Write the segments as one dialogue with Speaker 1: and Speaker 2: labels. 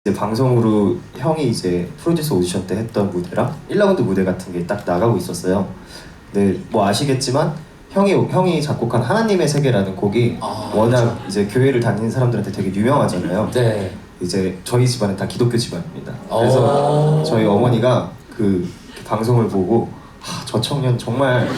Speaker 1: 방송으로 형이 이제 프로듀서 오디션 때 했던 무대랑 1라운드 무대 같은 게 딱 나가고 있었어요. 근데 뭐 아시겠지만 형이 작곡한 하나님의 세계라는 곡이 워낙 이제 교회를 다니는 사람들한테 되게 유명하잖아요.
Speaker 2: 네.
Speaker 1: 이제 저희 집안은 다 기독교 집안입니다. 그래서 저희 어머니가 그 방송을 보고 저 청년 정말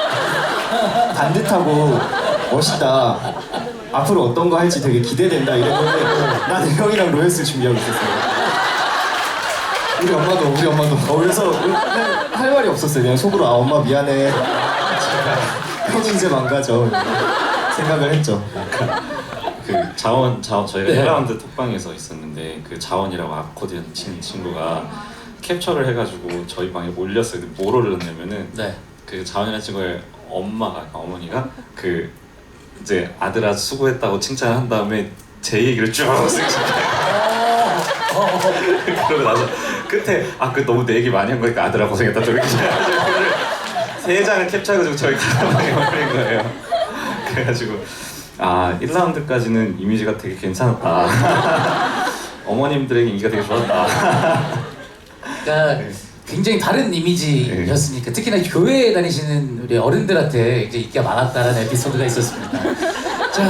Speaker 1: 반듯하고 멋있다. 앞으로 어떤 거 할지 되게 기대된다 이랬는데 나는 형이랑 로얄스 준비하고 있었어요. 우리 엄마도. 그래서 할 말이 없었어요. 그냥 속으로 엄마 미안해. 형이 이제 망가져. 생각을 했죠.
Speaker 3: 그 자원 저희가
Speaker 2: 네.
Speaker 3: 1라운드 톡방에서 있었는데 그 자원이라고 아코디언 치는 친구가 캡처를 해가지고 저희 방에 올렸어요. 근데 뭘 올렸냐면은
Speaker 2: 네.
Speaker 3: 그 자원이라는 친구의 어머니가 그 이제 아들아 수고했다고 칭찬을 한 다음에 제 얘기를 쭉 그러고 나서 끝에 그 너무 내 얘기 많이 한 거니까 아들아 고생했다 또 이렇게 세 장을 캡처해가지고 저희 가방에 올린 거예요. 그래가지고 1라운드까지는 이미지가 되게 괜찮았다. 어머님들에게 인기가 되게 좋았다.
Speaker 2: 그러니까 굉장히 다른 이미지였으니까 특히나 교회에 다니시는 우리 어른들한테 이제 인기가 많았다라는 에피소드가 있었습니다. 자,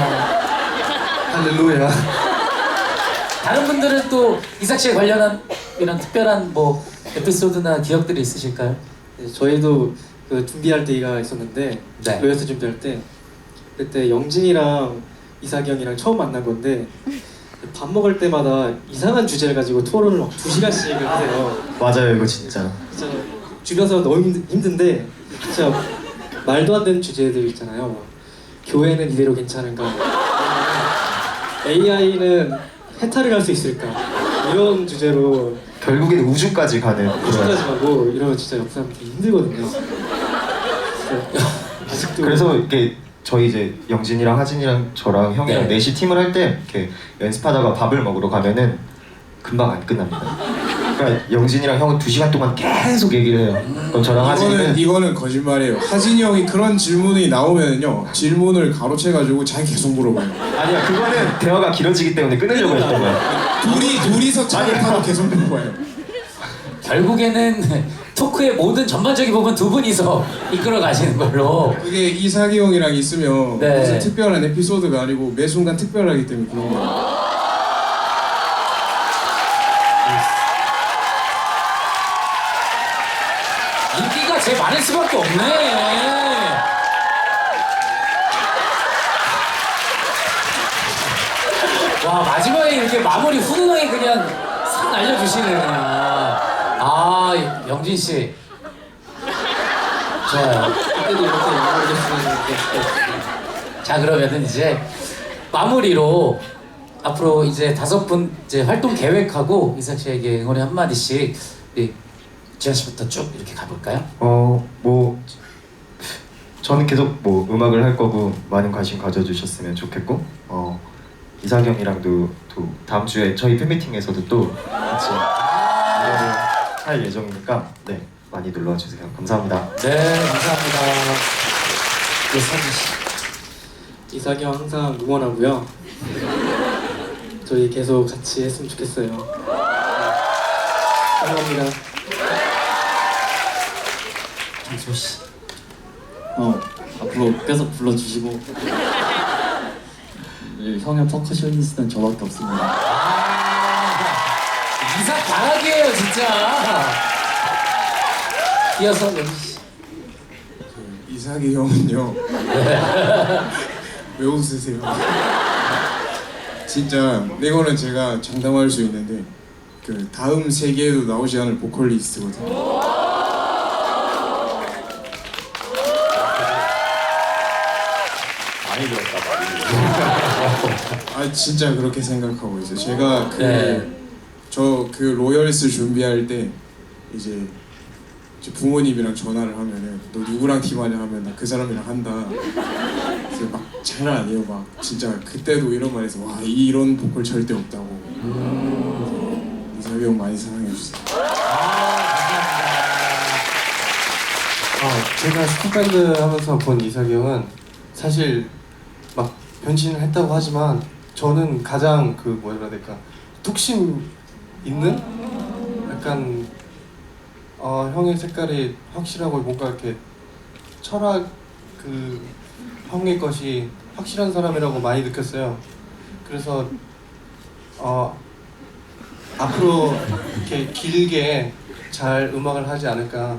Speaker 1: 할렐루야.
Speaker 2: 다른 분들은 또 이삭 씨에 관련한 이런 특별한 뭐 에피소드나 기억들이 있으실까요?
Speaker 4: 네, 저희도 그 준비할 때가 있었는데
Speaker 2: 네.
Speaker 4: 로얄스 준비할 때 그때 영진이랑 이삭이 형이랑 처음 만난 건데 밥 먹을 때마다 이상한 주제를 가지고 토론을 막 2시간씩 하세요.
Speaker 1: 맞아요 이거 진짜.
Speaker 4: 진짜 주변에서 너무 힘든데 진짜 말도 안 되는 주제들 있잖아요. 막 교회는 이대로 괜찮은가? AI는 해탈을 할 수 있을까? 이런 주제로
Speaker 1: 결국엔 우주까지 가는
Speaker 4: 우주까지 가고 이러면 진짜 옆 사람들이 힘들거든요. 아직도
Speaker 1: 그래서 이렇게 저희 이제 영진이랑 하진이랑 저랑 형이랑
Speaker 2: 네.
Speaker 1: 넷이 팀을 할 때 이렇게 연습하다가 밥을 먹으러 가면은 금방 안 끝납니다. 그러니까 영진이랑 형은 2시간 동안 계속 얘기를 해요. 그럼 저랑 하진이는
Speaker 5: 이거는 거짓말이에요. 하진이 형이 그런 질문이 나오면요 질문을 가로채가지고 잘 계속 물어봐요.
Speaker 1: 아니야 그거는 대화가 길어지기 때문에 끊으려고 했던 거야.
Speaker 5: 둘이서 차를 타고 계속 물어봐요.
Speaker 2: 결국에는 토크의 모든 전반적인 부분 두 분이서 이끌어 가시는 걸로.
Speaker 5: 그게 이삭이 형이랑 있으면
Speaker 2: 네.
Speaker 5: 무슨 특별한 에피소드가 아니고 매 순간 특별하기 때문에 그런 거예요.
Speaker 2: 인기가 제일 많을 수밖에 없네. 와, 마지막에 이렇게 마무리 훈훈하게 그냥 싹 날려주시네 그냥. 영진 씨. 좋아요.
Speaker 4: 그때도 이렇게 마무리를 했으면
Speaker 2: 자, 그러면은 이제 마무리로 앞으로 이제 5분 이제 활동 계획하고 이삭 씨에게 응원의 한마디씩 우리 지현 씨부터 쭉 이렇게 가볼까요?
Speaker 1: 뭐 저는 계속 뭐 음악을 할 거고 많은 관심 가져주셨으면 좋겠고 이삭 형이랑도 또 다음 주에 저희 팬미팅에서도 또 같이 일을 할 예정이니까 네 많이 놀러와 주세요. 감사합니다.
Speaker 2: 네, 감사합니다. 네, 서진 씨.
Speaker 4: 이삭이 형 항상 응원하고요. 저희 계속 같이 했으면 좋겠어요. 감사합니다.
Speaker 2: 정수 씨.
Speaker 6: 앞으로 계속 불러주시고 형의 퍼커셔니스트는 저밖에 없습니다.
Speaker 2: 이삭 바라기예요 진짜. 이어서 영진 씨.
Speaker 5: 이삭이 형은요 왜 웃으세요? 진짜 이거는 제가 장담할 수 있는데 그 다음 세계에도 나오지 않을 보컬리스트거든요.
Speaker 3: 많이 들었다.
Speaker 5: 진짜 그렇게 생각하고 있어요. 제가
Speaker 2: 네.
Speaker 5: 그 로열스 준비할 때 이제 부모님이랑 전화를 하면은 너 누구랑 팀하냐 하면 나 그 사람이랑 한다. 그래서 막 장난 아니에요. 막 진짜 그때도 이런 말해서 와 이런 보컬 절대 없다고. 이삭이 형 많이 사랑해 주세요.
Speaker 7: 제가 스쿠밴드 하면서 본 이삭이 형은 사실 막 변신을 했다고 하지만 저는 가장 그 뭐라 해야 될까 뚝심 있는 약간 형의 색깔이 확실하고 뭔가 이렇게 철학 그 형의 것이 확실한 사람이라고 많이 느꼈어요. 그래서 앞으로 이렇게 길게 잘 음악을 하지 않을까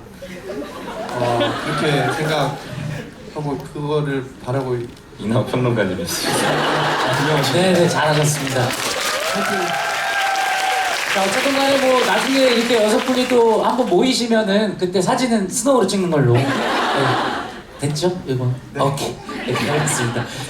Speaker 7: 그렇게 생각하고 그거를 바라고
Speaker 3: 이낙 평론가님이시죠.
Speaker 2: 네네 잘하셨습니다. 자 어쨌든 간에 뭐 나중에 이렇게 6분이 또 한번 모이시면은 그때 사진은 스노우로 찍는 걸로. 네. 됐죠? 이거? 오케이. 네, 알겠습니다.